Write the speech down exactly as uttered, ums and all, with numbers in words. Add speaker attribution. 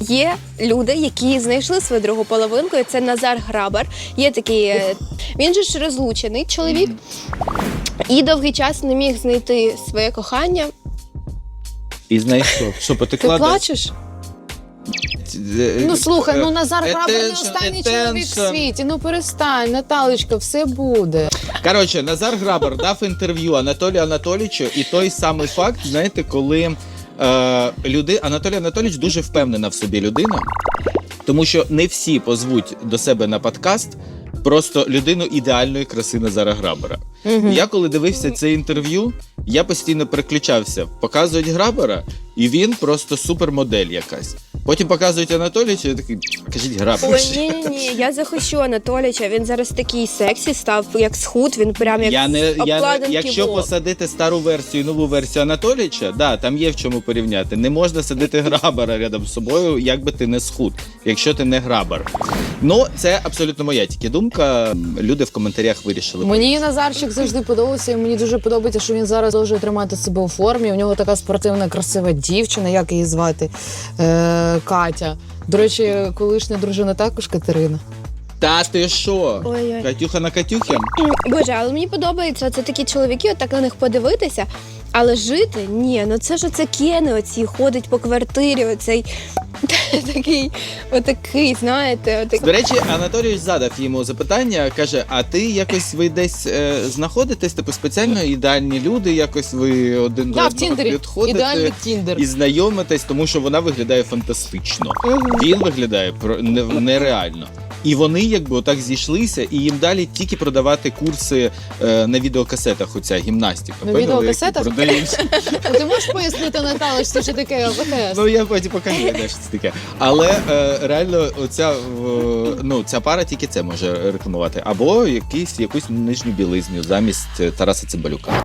Speaker 1: Є люди, які знайшли свою другу половинку, і це Назар Грабар. Є такий, він же ж розлучений чоловік, і довгий час не міг знайти своє кохання.
Speaker 2: І знайшов. Що, потекла?
Speaker 3: Ти плачеш? Ну слухай, ну Назар Грабар не останній чоловік в світі. Ну перестань, Наталечка, все буде.
Speaker 2: Коротше, Назар Грабар дав інтерв'ю Анатолію Анатолійовичу, і той самий факт, знаєте, коли е, люди... Анатолій Анатолійович дуже впевнена в собі людина, тому що не всі позвуть до себе на подкаст просто людину ідеальної краси Назара Грабара.
Speaker 3: Угу.
Speaker 2: Я коли дивився це інтерв'ю, я постійно переключався. Показують Грабара, і він просто супермодель якась. Потім показують Анатолійовича, я такий, кажіть Грабар.
Speaker 1: Ой, ні-ні-ні, я захищу Анатолійовича, він зараз такий сексі став, як схуд, він прям як
Speaker 2: Я не, я не,
Speaker 1: обкладинки
Speaker 2: якщо
Speaker 1: Vogue.
Speaker 2: посадити стару версію і нову версію Анатолійовича, да, там є в чому порівняти. Не можна садити Грабара рядом з собою, як би ти не схуд, якщо ти не Грабар. Ну, це абсолютно моя тільки думка. Люди в коментарях вирішили.
Speaker 3: Мені Назарчик завжди подобався, і мені дуже подобається, що він зараз може тримати себе у формі. У нього така спортивна, красива дівчина, як її звати, е, Катя. До речі, колишня дружина також Катерина.
Speaker 2: Та ти що?
Speaker 1: Ой-ой.
Speaker 2: Катюха на Катюхі?
Speaker 1: Боже, але мені подобається, це такі чоловіки, отак на них подивитися, але жити, ні, ну це ж оце кени оці, ходить по квартирі, оцей такий, отакий, знаєте, отакий.
Speaker 2: До речі, Анатолійович задав йому запитання, каже, а ти якось ви десь е, знаходитесь, типу спеціально ідеальні люди, якось ви один до
Speaker 3: Да, в
Speaker 2: одного
Speaker 3: Тіндері.
Speaker 2: підходите
Speaker 3: Ідеальний Тіндер.
Speaker 2: і знайомитесь, тому що вона виглядає фантастично. Він виглядає про- не- нереально. І вони якби отак зійшлися, і їм далі тільки продавати курси е, на відеокасетах, оця гімнастика.
Speaker 3: На
Speaker 2: поняли,
Speaker 3: відеокасетах?
Speaker 2: які продають.
Speaker 3: Ти можеш пояснити, Наталочці, що таке АВТС?
Speaker 2: Ну, я потім покажу, де ж це таке. Але е, реально оця, е, ну, ця пара тільки це може рекламувати. Або якийсь, якусь нижню білизню замість Тараса Цимбалюка.